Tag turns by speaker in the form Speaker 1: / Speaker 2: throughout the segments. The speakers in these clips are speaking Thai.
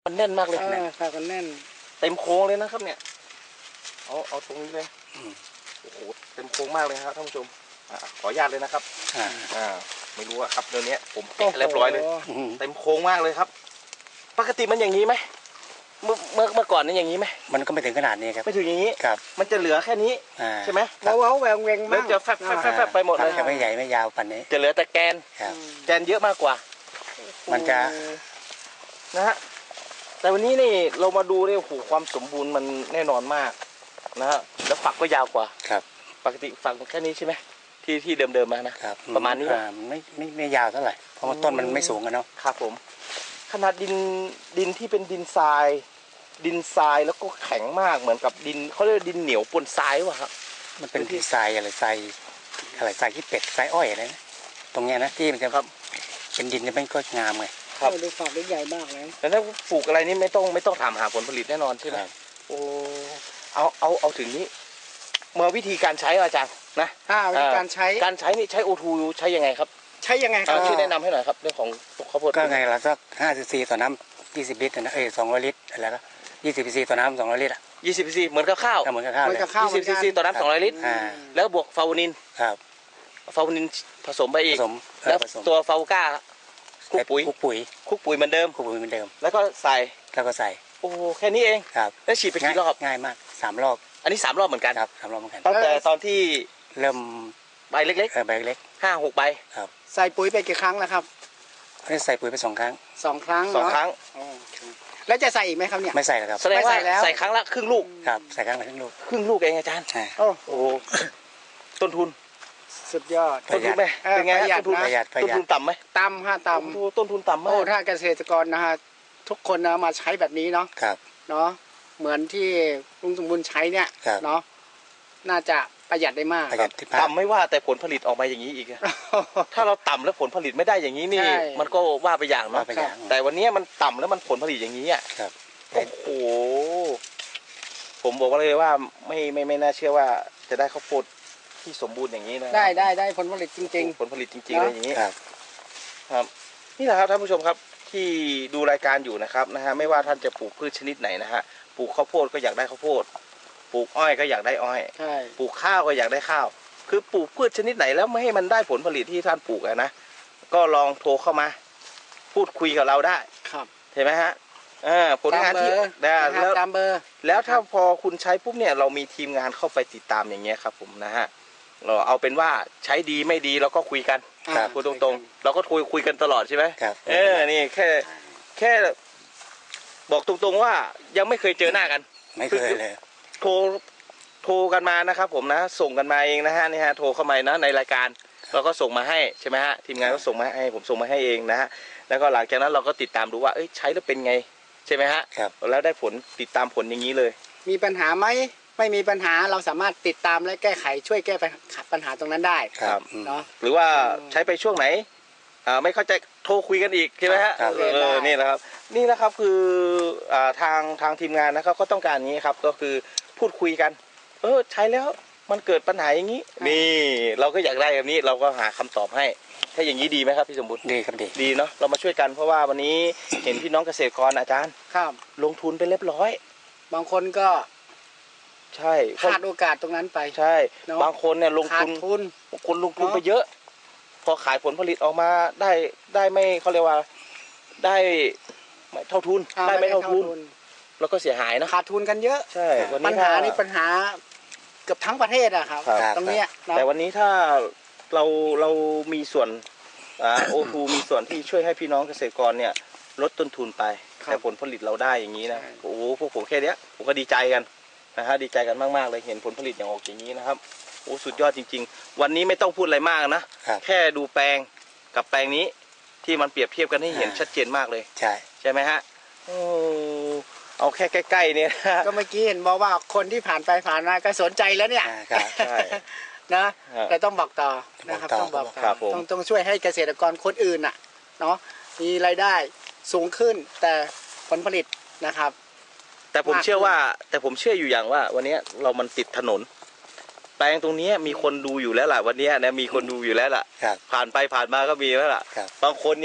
Speaker 1: มันแน่นมากเลย
Speaker 2: ค่ะกันแน่น
Speaker 1: เต็มโค้งเลยนะครับเนี่ยเอาตรงนี้เลยโอ้โหเต็มโค้งมากเลยครับท่านผู้ชมขออนุญาตเลยนะครับไม่รู้อะครับเดี๋ยวนี้ผมแกะเรียบร้อยเลยเต็มโค้งมากเลยครับปกติมันอย่างนี้ไหมเมื่อก่อนนี่อย่างนี้ไหม
Speaker 3: มันก็ไม่ถึงขนาดนี้ครับ
Speaker 1: ไม่ถึงอย่างนี้
Speaker 3: ครับ
Speaker 1: มันจะเหลือแค่นี้ใช่ไหม
Speaker 2: ว้าวแหวงแหวงมาก
Speaker 1: จะแฟบไปหมดเลย
Speaker 3: จะไม่ใหญ่ไม่ยาวปันนี้
Speaker 1: จะเหลือแต่แกนแกนเยอะมากกว่า
Speaker 3: มันจะ
Speaker 1: นะฮะแต่วันนี้นี่เรามาดูเนี่ยโอ้โหความสมบูรณ์มันแน่นอนมากนะฮะแล้วฝักก็ยาวกว่า
Speaker 3: ครับ
Speaker 1: ปกติฝักแค่นี้ใช่ไหมที่เดิมมานะครับประมาณนี้
Speaker 3: ไม่ยาวเท่าไหร่เพราะว่าต้นมันไม่สูงกันเนาะ
Speaker 1: ครับผมขนาดดินที่เป็นดินทรายแล้วก็แข็งมากเหมือนกับดินเขาเรียกดินเหนียวปนทรายวะครับ
Speaker 3: มันเป็นที่ทรายอะไรทรายที่เป็ดทรายอ้อยอะไรนะตรงเนี้ยนะที่มันจะครับเป็นดินจะไม่ก็งามไง
Speaker 2: ครับดูฝักได้ใหญ่มากเลย
Speaker 1: แต่ถ้าปลูกอะไรนี่ไม่ต้องถามหาผลผลิตแน่นอนใช่ไหมโอ้เอาถึงนี้เมื่อวิธีการใช้อาจารย์นะ
Speaker 2: วิธีการใช้
Speaker 1: นี่ใช้โอทูใช้ยังไงครับ
Speaker 2: ใช้ยังไงครับ
Speaker 1: ช่วยแนะนำให้หน่อยครับเรื่องของข้าวโพด
Speaker 3: ก็ไงละสัก50 ซีต่อน้ำ20 ลิตรนะ200 ลิตรอะไรก็20 ซีต่อน้ำ200 ลิตร
Speaker 1: 20 ซีเหมือนกับข้าว
Speaker 3: เหมือนกับข้าว
Speaker 1: 20 ซีต่อน้ำ200 ลิตรแล้วบวกฟาวนิน
Speaker 3: ครับ
Speaker 1: ฟาวนินผสมไปอีกแล้วตัวฟาวก้าคุกปุ๋ยเหมือนเดิมแล้วก็ใส่โอ้แค่นี้เอง
Speaker 3: ครับ
Speaker 1: แล้วฉีดไปกี่รอบ
Speaker 3: ง่ายมาก3 รอบ
Speaker 1: อันนี้3 รอบเหมือนกัน
Speaker 3: ครับ3 รอบเหมือนกัน
Speaker 1: ตั้งแต่ตอนที่
Speaker 3: เริ่ม
Speaker 1: ใบเล็ก
Speaker 3: ใบเล็ก
Speaker 1: 5-6 ใบ
Speaker 3: ครับ
Speaker 2: ใส่ปุ๋ยไปกี่ครั้งแล้วครับ
Speaker 3: ใส่ปุ๋ยไป2 ครั้ง
Speaker 2: 2 ครั้งแล้วจะใส่อีกไหมครับเนี่ย
Speaker 3: ไม่ใส่แล้วครับ
Speaker 1: แสดงว่าใส่ครั้งละครึ่งลูก
Speaker 3: ครับใส่ครั้งละครึ่ง
Speaker 1: ลูกเองอาจารย์โอ้โหต้นทุน
Speaker 2: สุดยอด
Speaker 1: ต้นทุนไหมเป็นไงต้นทุนต่ำไหม
Speaker 2: ต่ำ
Speaker 1: ต้นทุนต่ำมาก
Speaker 2: ถ้าเกษตรกรนะฮะทุกคนนะมาใช้แบบนี้เนาะเนาะเหมือนที่ลุงสมบูรณ์ใช้เนี่ยเนาะน่าจะประหยัดได้มาก
Speaker 1: ต่ำไม่ว่าแต่ผลผลิตออกมาอย่างนี้อีกถ้าเราต่ำแล้วผลผลิตไม่ได้อย่างนี้นี่มันก็ว่าไปอย่างเนาะแต่วันนี้มันต่ำแล้วมันผลผลิตอย่างนี้อ่ะโอ้โหผมบอกว่าเลยว่าไม่น่าเชื่อว่าจะได้ข้าวโพดที่สมบูรณ์อย่างนี้นะ
Speaker 2: ได้ผลผลิตจริง
Speaker 1: ๆผลผลิตจริงๆอะไรอย่างนี้ครับนี่แหละครับท่านผู้ชมครับที่ดูรายการอยู่นะครับไม่ว่าท่านจะปลูกพืชชนิดไหนนะฮะปลูกข้าวโพดก็อยากได้ข้าวโพดปลูกอ้อยก็อยากได้อ้อยปลูกข้าวก็อยากได้ข้าวคือปลูกพืชชนิดไหนแล้วไม่ให้มันได้ผลผลิตที่ท่านปลูกนะก็ลองโทรเข้ามาพูดคุยกับเราได้
Speaker 2: ครับ
Speaker 1: เห็นไหมฮะผลงานที่
Speaker 2: แล้วตามเบอร์
Speaker 1: แล้วถ้าพอคุณใช้ปุ๊บเนี่ยเรามีทีมงานเข้าไปติดตามอย่างเงี้ยครับผมนะฮะเราเอาเป็นว่าใช้ดีไม่ดีเราก็คุยกันพูดตรงๆเราก็คุยกันตลอดใช่ไหมนี่แค่บอกตรงๆว่ายังไม่เคยเจอหน้ากัน
Speaker 3: ไม่เคยเลย
Speaker 1: โทรกันมานะครับผมนะส่งกันมาเองนะฮะนี่ฮะโทรเข้ามานะในรายการเราก็ส่งมาให้ใช่ไหมฮะทีมงานก็ส่งมาให้ผมส่งมาให้เองนะฮะแล้วก็หลังจากนั้นเราก็ติดตามดูว่าใช้แล้วเป็นไงใช่ไหมฮะแล้วได้ผลติดตามผลอย่างนี้เลย
Speaker 2: มีปัญหาไหมไม่มีปัญหาเราสามารถติดตามและแก้ไขช่วยแก้ปัญหาตรงนั้นได้
Speaker 1: ครับเนาะหรือว่าใช้ไปช่วงไหนไม่เข้าใจโทรคุยกันอีกใช่ไหมฮะนี่แหละครับคือทางทีมงานนะครับก็ต้องการอย่างนี้ครับก็คือพูดคุยกันใช้แล้วมันเกิดปัญหาอย่างนี้นี่เราก็อยากได้แบบนี้เราก็หาคำตอบให้ถ้าอย่างนี้ดีไหมครับพี่สมบูรณ์
Speaker 3: ดีครับ
Speaker 1: ดีเนาะเรามาช่วยกันเพราะว่าวันนี้เห็นพี่น้องเกษตรกรอาจารย์
Speaker 2: ครับ
Speaker 1: ลงทุนไปเรียบร้อย
Speaker 2: บางคนก็
Speaker 1: ใช่
Speaker 2: พลาดโอกาสตรงนั้นไป
Speaker 1: ใช่บางคนเนี่ยลงทุนบางคนลงทุนไปเยอะพอขายผลผลิตออกมาได้ไม่เขาเรียกว่าได้ไม่เท่าทุนได้ไม่เท่าทุนแล้วก็เสียหายนะ
Speaker 2: ขาดทุนกันเยอะ
Speaker 1: ใช่
Speaker 2: ปัญหานี่ปัญหาเกือบทั้งประเทศอะครับตรงนี้
Speaker 1: แต่วันนี้ถ้าเรามีส่วนโอทูมีส่วนที่ช่วยให้พี่น้องเกษตรกรเนี่ยลดต้นทุนไปแต่ผลผลิตเราได้อย่างนี้นะโอ้โหพวกผมแค่นี้ผมก็ดีใจกันนะฮะดีใจกันมากๆเลยเห็นผลผลิตอย่างออกอย่างนี้นะครับโอ้สุดยอดจริงๆวันนี้ไม่ต้องพูดอะไรมากนะแค่ดูแปลงกับแปลงนี้ที่มันเปรียบเทียบกันให้เห็นชัดเจนมากเลยใช่ไหมฮะเอาแค่ใกล้ๆเนี่ย
Speaker 2: ก็เมื่อกี้เห็นบอกว่าคนที่ผ่านไปผ่านมาก็สนใจแล้วเนี่ยนะแต่ต้องบอกต่อนะครับต้องบอกต่อต้องช่วยให้เกษตรกรคนอื่นน่ะเนาะมีรายได้สูงขึ้นแต่ผลผลิตนะครับ
Speaker 1: แต่ผมเชื่ออยู่อย่างว่าวันนี้เรามันติดถนนแปลงตรงนี้มีคนดูอยู่แล้วล่ะวันนี้นะมีคนดูอยู่แล้วล่ะผ่านไปผ่านมาก็มีแล้วล่ะบางคนยัง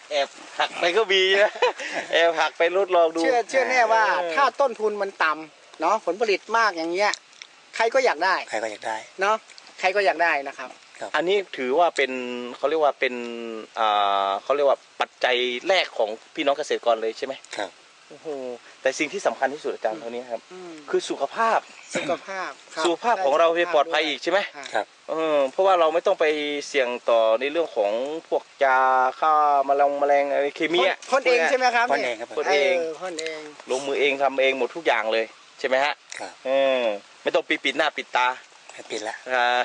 Speaker 1: แอบหักไปก็มีนะแอบหักไปทดลองดู
Speaker 2: เชื่อแน่ว่าถ้าต้นทุนมันต่ำเนาะผลผลิตมากอย่างเงี้ยใครก็อยากได้
Speaker 3: ใครก็อยากได้
Speaker 2: เนาะใครก็อยากได้นะครับ
Speaker 1: อันนี้ถือว่าเป็นเขาเรียกว่าเป็นเขาเรียกว่าปัจจัยแรกของพี่น้องเกษตรกรเลยใช่ไหม
Speaker 3: ครับ
Speaker 1: โอ้โหแต่สิ่งที่สำคัญที่สุดอาจารย์เท่านี้ครับคือสุขภาพ
Speaker 2: สุขภาพครับ
Speaker 1: สุขภาพของเราจะปลอดภัยอีกใช่ไหม
Speaker 3: ครับ
Speaker 1: เพราะว่าเราไม่ต้องไปเสี่ยงต่อในเรื่องของพวกยาฆ่าแมลงอะไรเคมีอะ
Speaker 2: พ่นเองใช่ไหมครับ
Speaker 3: พ่นเองครับ
Speaker 1: พ่นเอง
Speaker 2: พ่นเอง
Speaker 1: ลงมือเองทำเองหมดทุกอย่างเลยใช่ไหมฮะ
Speaker 3: ครับ
Speaker 1: ไม่ต้องปิดหน้าปิดตา
Speaker 3: ไม่ปิดละ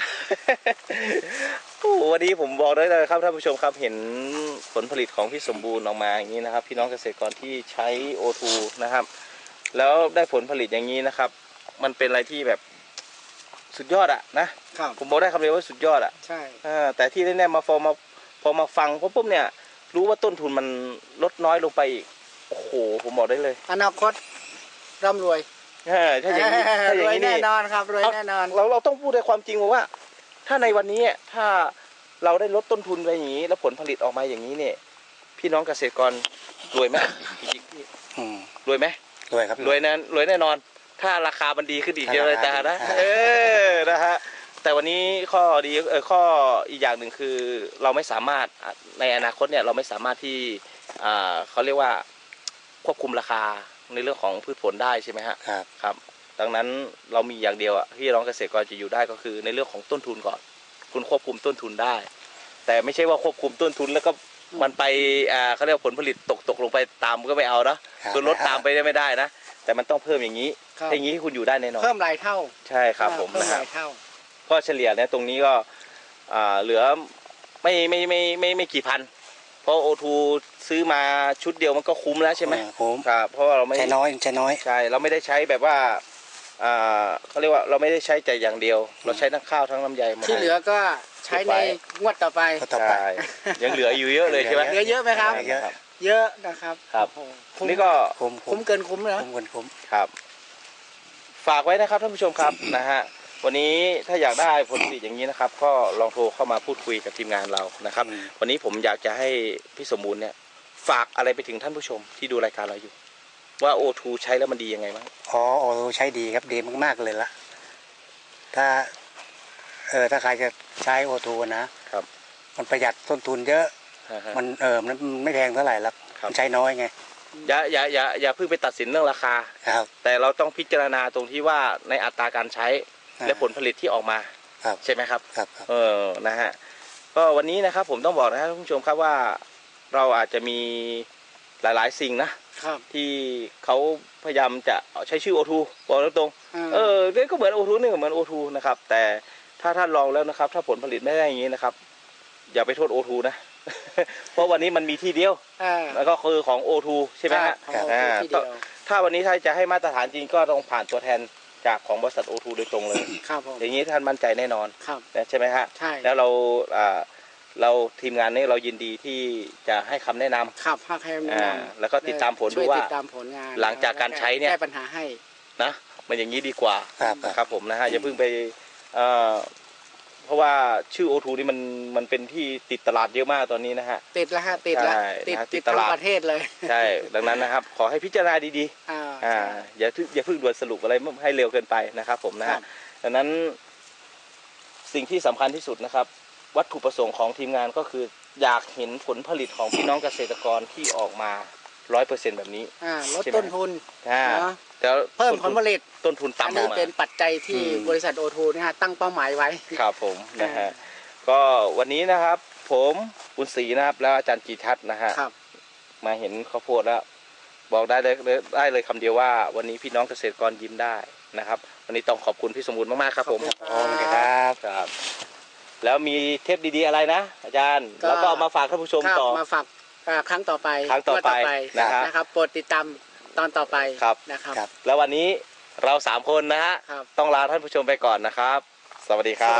Speaker 1: โอ้โหวันนี้ผมบอกได้เลยครับท่านผู้ชมครับเห็นผลผลิตของพี่สมบูรณ์ออกมาอย่างนี้นะครับพี่น้องเกษตรกรที่ใช้ O2 นะครับแล้วได้ผลผลิตอย่างนี้นะครับมันเป็นอะไรที่แบบสุดยอดอะนะครับ ผมบอกได้คำเดียวว่าสุดยอดอะ
Speaker 2: ใช่
Speaker 1: แต่ที่แน่ๆพอมาฟังปุ๊บเนี่ยรู้ว่าต้นทุนมันลดน้อยลงไปอีกโอ้โหผมบอกได้เลย
Speaker 2: อนาคตร่ำรวย
Speaker 1: ถ้าอย่างนี้ถ้าอ
Speaker 2: ร
Speaker 1: ย่าง
Speaker 2: วย
Speaker 1: นี้
Speaker 2: แน่
Speaker 1: นี่
Speaker 2: นอนครับรวยแน่นอน
Speaker 1: เราต้องพูดด้วยความจริงว่า ถ้าในวันนี้ถ้าเราได้ลดต้นทุนไปอย่างนี้ แล้วผลผลิตออกมาอย่างนี้เนี่ยพี่น้องเกษตรกรรวยไหมรวยไหม
Speaker 3: รวยครับ
Speaker 1: รวยแน่นอน ถ้าราคามันดีขึ้นอีกเยอะเลยแต่นะนะฮะแต่วันนี้ข้อดีข้ออีกอย่างหนึ่งคือเราไม่สามารถในอนาคตเนี่ยเราไม่สามารถที่เขาเรียกว่าควบคุมราคาในเรื่องของพืชผลได้ใช่ไหมฮะ ครับ ดังนั้นเรามีอย่างเดียวที่น้องเกษตรกรจะอยู่ได้ก็คือในเรื่องของต้นทุนก่อนคุณควบคุมต้นทุนได้ แต่ไม่ใช่ว่าควบคุมต้นทุนแล้วก็มันไปเขาเรียกผลผลิตตกลงไปตามก็ไม่เอานะคือลดตามไปได้ไม่ได้นะแต่มันต้องเพิ่มอย่างนี้อย่างนี้คุณอยู่ได้แน่นอน
Speaker 2: เพิ่มหลายเท่า
Speaker 1: ใช่ครับผม
Speaker 2: เพิ่ม
Speaker 1: นะ
Speaker 2: ห
Speaker 1: ครับ
Speaker 2: ลายเท่า
Speaker 1: เพราะเฉลี่ยเนี่ยตรงนี้ก็เหลือไม่กี่พันเพราะ O2 ซื้อมาชุดเดียวมันก็คุ้มแล้วใช่ไหม
Speaker 3: คุ้ม
Speaker 1: ครับเพราะว่าเราไม่
Speaker 3: ใช้น้อย
Speaker 1: ใช่เราไม่ได้ใช้แบบว่าเขาเรียกว่าเราไม่ได้ใช้แต่อย่างเดียว เราใช้ทั้งข้าวทั้งลำไยหมด
Speaker 2: ที่เหลือก็ใช้ในงวดต่อไป
Speaker 3: ต่อไป
Speaker 1: ใช่ยังเหลืออยู่เยอะเลยใช่ไหม
Speaker 2: เหลือเยอะไหมครับ
Speaker 3: เยอะ
Speaker 2: เยอะนะครับ
Speaker 1: ครับ
Speaker 2: โอ้โหคุ้ม
Speaker 1: นี่ก็
Speaker 2: คุ้มเกินคุ้มเลยนะ
Speaker 3: คุ้ม
Speaker 1: ครับ ฝากไว้นะครับท่านผู้ชมครับนะฮะวันนี้ถ้าอยากได้ผลผลิตอย่างนี้นะครับ ก็ลองโทรเข้ามาพูดคุยกับทีมงานเรานะครับ วันนี้ผมอยากจะให้พี่สมบูรณ์เนี่ยฝากอะไรไปถึงท่านผู้ชมที่ดูรายการเราอยู่ ว่า O2 ใช้แล้วมันดียังไงบ้าง
Speaker 3: อ๋อใช้ดีครับดีมากๆเลยละถ้าถ้าใครจะใช้O2นะครับ มันประหยัดต้นทุนเยอะ มันมันไม่แพงเท่าไหร่ละมันใช้น้อยไง
Speaker 1: อย่าเพิ่งไปตัดสินเรื่องราคา
Speaker 3: ครับ
Speaker 1: แต่เราต้องพิจารณาตรงที่ว่าในอัตราการใช้และผลผลิตที่ออกมา
Speaker 3: ครับ
Speaker 1: ใช่ไหมครับ
Speaker 3: ครับ
Speaker 1: นะฮะก็วันนี้นะครับผมต้องบอกนะครับท่านผู้ชมครับว่าเราอาจจะมีหลายๆสิ่งนะครับ ที่เขาพยายามจะใช้ชื่อ O2 บอกตรงๆนี่ก็เหมือน O2 นี่ก็เหมือน O2 นะครับแต่ถ้าท่านลองแล้วนะครับถ้าผลผลิตไม่ได้อย่างนี้นะครับอย่าไปโทษ O2 นะ เพราะวันนี้มันมีที่เดียวแล้วก็คือของ O2 ใช่ไหมฮะ ถ้าวันนี้ถ้าจะให้มาตรฐานจริงก็ต้องผ่านตัวแทนจากของบริษัท O2 โดยตรงเลย
Speaker 2: ครับผม
Speaker 1: อย่างนี้ท่านมั่นใจแน่นอน
Speaker 2: ครับ
Speaker 1: ใช่ไหมฮะ
Speaker 2: ใช่
Speaker 1: แล้วเราทีมงานนี้เรายินดีที่จะให้คำแนะนำ
Speaker 2: ครับภาคแคมแนะนำ
Speaker 1: แล้วก็ติดตามผล
Speaker 2: ช่
Speaker 1: ดู
Speaker 2: วย
Speaker 1: ว่า
Speaker 2: ติดตามผลงาน
Speaker 1: หลังจากการใช้เนี่ย
Speaker 2: แก้ปัญหาให้
Speaker 1: นะมันอย่างนี้ดีกว่า
Speaker 3: ครับ
Speaker 1: ครับผมนะฮะอย่าเพิ่งไปเพราะว่าชื่อ O2 นี่มันเป็นที่ติดตลาดเยอะมากตอนนี้นะฮะ
Speaker 2: ติดแล้วฮะติดแล้ว
Speaker 1: ใช่
Speaker 2: ติด
Speaker 1: นะ
Speaker 2: ติด
Speaker 1: ต
Speaker 2: ทั้ง
Speaker 1: ลาด
Speaker 2: ประเทศเลย
Speaker 1: ใช่ดังนั้นนะครับขอให้พิจารณาดี
Speaker 2: อ่า
Speaker 1: ๆอย่าเพิ่งด่วนสรุปอะไรให้เร็วเกินไปนะครับผมนะ
Speaker 2: ครั
Speaker 1: ฮะ
Speaker 2: บ
Speaker 1: ดังนั้นสิ่งที่สำคัญที่สุดนะครับ วัตถุประสงค์ของทีมงานก็คืออยากเห็นผลผลิตของพี่น้องเกษตรกรที่ออกมา 100% แบบนี้
Speaker 2: ลดต้นทุน เนอะ
Speaker 1: แต่
Speaker 2: เพิ่มผลผลิต
Speaker 1: ต้นทุน
Speaker 2: อัน
Speaker 1: ต่ำล
Speaker 2: นี้
Speaker 1: งมา
Speaker 2: เป็นปัจจัยที่บริษัทโอทูนะฮะตั้งเป้าหมายไว้
Speaker 1: ครับผมนะฮะก็วันนี้นะครับผมบุญศรีนะครับแล้วอาจารย์กีทัศน์นะฮะ
Speaker 2: ครับ
Speaker 1: มาเห็นข้าวโพดแล้วบอกได้เลยคำเดียวว่าวันนี้พี่น้องเกษตรกรยิ้มได้นะครับวันนี้ต้องขอบคุณพี่สมบูรณ์มากๆครับผม
Speaker 3: โอเคครับ
Speaker 1: ครับแล้วมีเทปดีๆอะไรนะอาจารย์แล้วก็เอามาฝากท่านผู้ชม
Speaker 2: ครับ
Speaker 1: ต่อ
Speaker 2: มาฝากครั้งต่อไป
Speaker 1: ครั้งต่อไป
Speaker 2: งวด นะครับโปรดติดตามตอนต่อไป
Speaker 1: ครับ
Speaker 2: นะครับ
Speaker 1: แล้ววันนี้เรา3คนนะฮะ
Speaker 2: ครับ
Speaker 1: ต้องลาท่านผู้ชมไปก่อนนะครับ สวัสดีครับ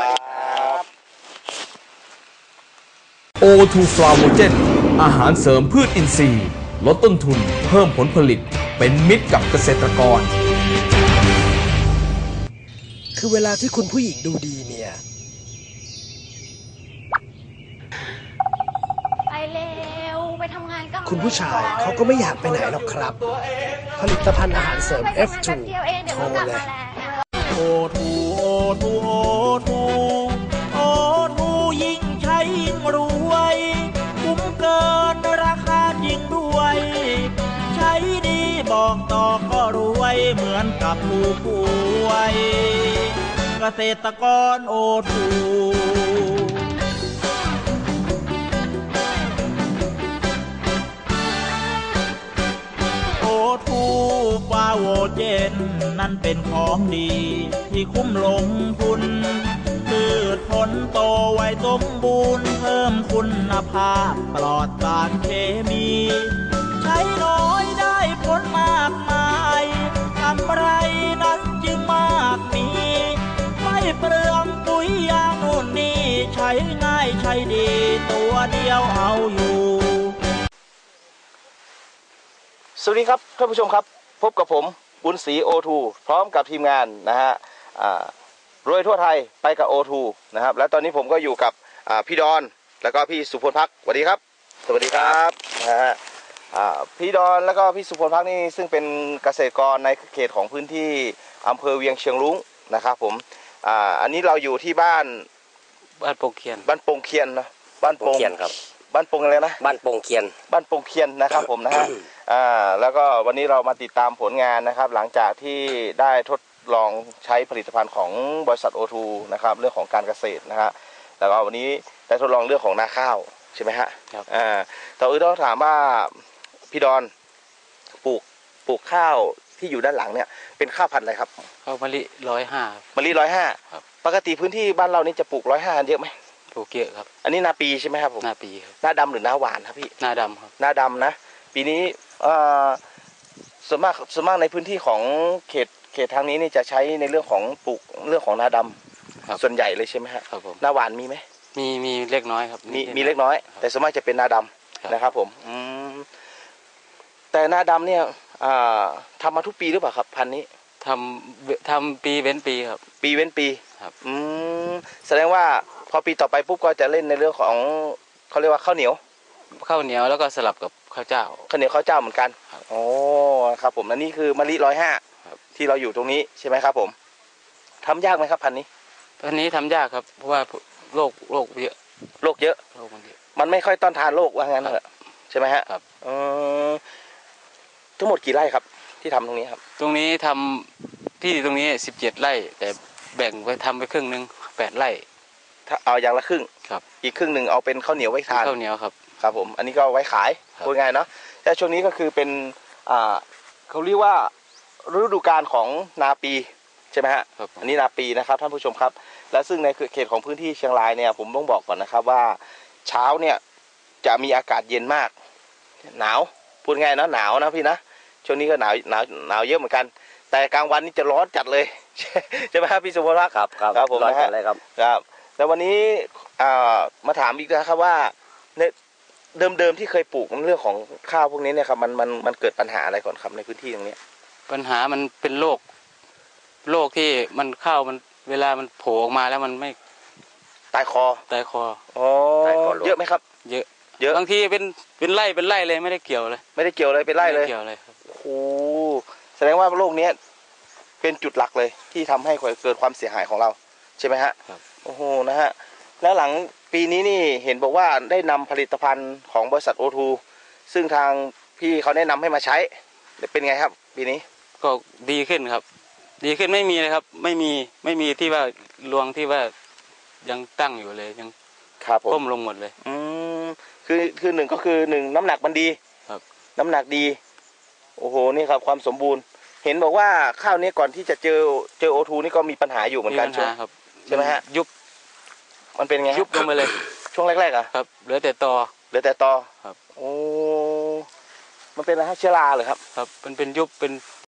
Speaker 4: O2 f l a v o g e n อาหารเสริมพืชอินทรีย์ลดต้นทุนเพิ่มผลผลิตเป็นมิตรกับเกษตรกร
Speaker 5: คือเวลาที่คุณผู้หญิงดูดีเนี่ย
Speaker 6: ไปเร็ว ไปทำงาน
Speaker 5: คุณผู้ชายเขาก็ไม่อยากไปไหนหรอกครับ ผลิตภัณฑ์อาหารเสริม F2 โทรเลย
Speaker 6: โอทูโอทูโอทูโอทูยิ่งใช้ยิ่งรวยคุ้มเกินราคาจริงด้วยใช้ดีบอกต่อก็รวยเหมือนกับผู้ป่วยเกษตรกรโอทูฟาโวเจนนั่นเป็นของดีที่คุ้มลงทุนพืชผลโตไวสมบูรณ์เพิ่มคุณภาพปลอดสารเคมีใช้น้อยได้ผลมากมายกำไรนั้นจึงมากมีไม่เปลืองปุ๋ยยางโน่นนี่ใช้ง่ายใช้ดีตัวเดียวเอาอยู่
Speaker 1: สวัสดีครับท่านผู้ชมครับพบกับผมบุญศรีโอทูพร้อมกับทีมงานนะฮะรวยทั่วไทยไปกับโอทูนะครับและตอนนี้ผมก็อยู่กับพี่ดอนแล้วก็พี่สุพลพักสวัสดีครับสวัสดีครับนะฮะพี่ดอนแล้วก็พี่สุพลพักนี่ซึ่งเป็นเกษตรกรในเขตของพื้นที่อำเภอเวียงเชียงรุ้งนะครับผมอันนี้เราอยู่ที่บ้าน
Speaker 3: โปงเคียน
Speaker 1: บ้านโปงเคียนนะบ้านโปงเคียนครับบ้านโปงอะไรนะ
Speaker 3: บ้านโปงเคียน
Speaker 1: บ้านโปงเคียนนะครับผมนะฮะแล้วก็วันนี้เรามาติดตามผลงานนะครับหลังจากที่ได้ทดลองใช้ผลิตภัณฑ์ของบริษัทโอทูนะครับเรื่องของการเกษตรนะฮะแล้วก็วันนี้ได้ทดลองเรื่องของนาข้าวใช่ไหมฮะ
Speaker 3: ครับ
Speaker 1: ต่อต้องถามว่าพี่ดอนปลูกข้าวที่อยู่ด้านหลังเนี่ยเป็นข้าวพันธุ์อะไรครับ
Speaker 3: ข้าวมะลิ105
Speaker 1: มะลิ105ปกติพื้นที่บ้านเรานี่จะปลูก105เยอะไหม
Speaker 3: ปลูกเยอะครับ
Speaker 1: อันนี้นาปีใช่ไหมครับผม
Speaker 3: นาปีครับ
Speaker 1: นาดำหรือนาหวานครับพี่
Speaker 3: นาดำครับ
Speaker 1: นาดำนะปีนี้ส่วนมากในพื้นที่ของเขตทางนี้นี่จะใช้ในเรื่องของปลูกเรื่องของนาดำส่วนใหญ่เลยใช่ไหมครับ
Speaker 3: ผม
Speaker 1: นาหวานมีไหม
Speaker 3: มีเล็กน้อยครับ
Speaker 1: มีเล็กน้อยแต่ส่วนมากจะเป็นนาดำนะครับผมแต่นาดำเนี่ยทำมาทุกปีหรือเปล่าครับพันธุ์นี้
Speaker 3: ทำปีเว้นปีครับ
Speaker 1: ปีเว้นปี
Speaker 3: ครับ
Speaker 1: แสดงว่าพอปีต่อไปปุ๊บก็จะเล่นในเรื่องของเขาเรียกว่าข้าวเหนียว
Speaker 3: แล้วก็สลับกับข้าวเจ้า
Speaker 1: ข้าวเหนียวข้าวเจ้าเหมือนกันโอ้ครับผมอันนี้คือมะลิ105ที่เราอยู่ตรงนี้ใช่ไหมครับผมทำยากไหมครับพันธุ์
Speaker 3: นี้ทำยากครับเพราะว่าโรคเยอะ
Speaker 1: โรคเยอะมันไม่ค่อยต้านทานโรคว่างั้นเถอะใช่ไหมฮะ
Speaker 3: ครับ
Speaker 1: ทั้งหมดกี่ไร่ครับที่ทำตรงนี้ครับ
Speaker 3: ตรงนี้ทำที่ตรงนี้17 ไร่แต่แบ่งไปทำไปครึ่งนึง8 ไร่
Speaker 1: ถ้าเอาอย่างละครึ่ง
Speaker 3: ครับ
Speaker 1: อีกครึ่งหนึ่งเอาเป็นข้าวเหนียวไว้ทาน
Speaker 3: ข้าวเหนียวครับ
Speaker 1: ครับผมอันนี้ก็ไว้ขายพูดง่ายเนาะแต่ช่วงนี้ก็คือเป็นเขาเรียกว่าฤดูกาลของนาปีใช่ไหมฮะอันนี้นาปีนะครับท่านผู้ชมครับและซึ่งในเขตของพื้นที่เชียงรายเนี่ยผมต้องบอกก่อนนะครับว่าเช้าเนี่ยจะมีอากาศเย็นมากหนาวพูดง่ายนะหนาวนะพี่นะช่วงนี้ก็หนาวเยอะเหมือนกันแต่กลางวันนี่จะร้อนจัดเลยใช่ไหมครับพี่สุภรักษ์
Speaker 3: ครับ
Speaker 1: ผมร้อนจัดเลยครับแล้ววันนี้มาถามอีกนะครับว่าเดิมที่เคยปลูกเรื่องของข้าวพวกนี้เนี่ยครับมันเกิดปัญหาอะไรก่อนครับในพื้นที่ตรงนี้
Speaker 3: ปัญหามันเป็นโรคที่มันข้าวมันเวลามันโผล่ออกมาแล้วมันไม่
Speaker 1: ตายคออ๋อเยอะไหมครับ
Speaker 3: เยอะบางทีเป็นไร่เลยไม่ได้เกี่ยวเลย
Speaker 1: เป็นไร่เลยโอ้โหแสดงว่าโรคนี้เป็นจุดหลักเลยที่ทำให้เกิดความเสียหายของเราใช่ไหมฮะโอ้โหนะฮะแล้วหลังปีนี้นี่เห็นบอกว่าได้นำผลิตภัณฑ์ของบริษัทโอทูซึ่งทางพี่เขาแนะนำให้มาใช้เป็นไงครับปีนี้
Speaker 3: ก็ดีขึ้นครับดีขึ้นไม่มีเลยครับไม่มีที่ว่ารวงที่ว่ายังตั้งอยู่เลยยังก้มลงหมดเลย
Speaker 1: คือหนึ่งก็คือหนึ่งน้ำหนักมันดี
Speaker 3: ครับ
Speaker 1: น้ำหนักดีโอ้โหนี่ครับความสมบูรณ์เห็นบอกว่าข้าวนี้ก่อนที่จะเจอโอทูนี่ก็มีปัญหาอยู่เหมือนกันใช่ไหมฮะ
Speaker 3: ยุบ
Speaker 1: มันเป็นไง
Speaker 3: ยุบลงไปเลย
Speaker 1: ช่วงแรกๆอ่ะ
Speaker 3: ครับเหลือแต่ตอ
Speaker 1: ครับโอ้มันเป็นอะไรฮะเชื้อราเหรอครับ
Speaker 3: ครับเป็นยุบเป็น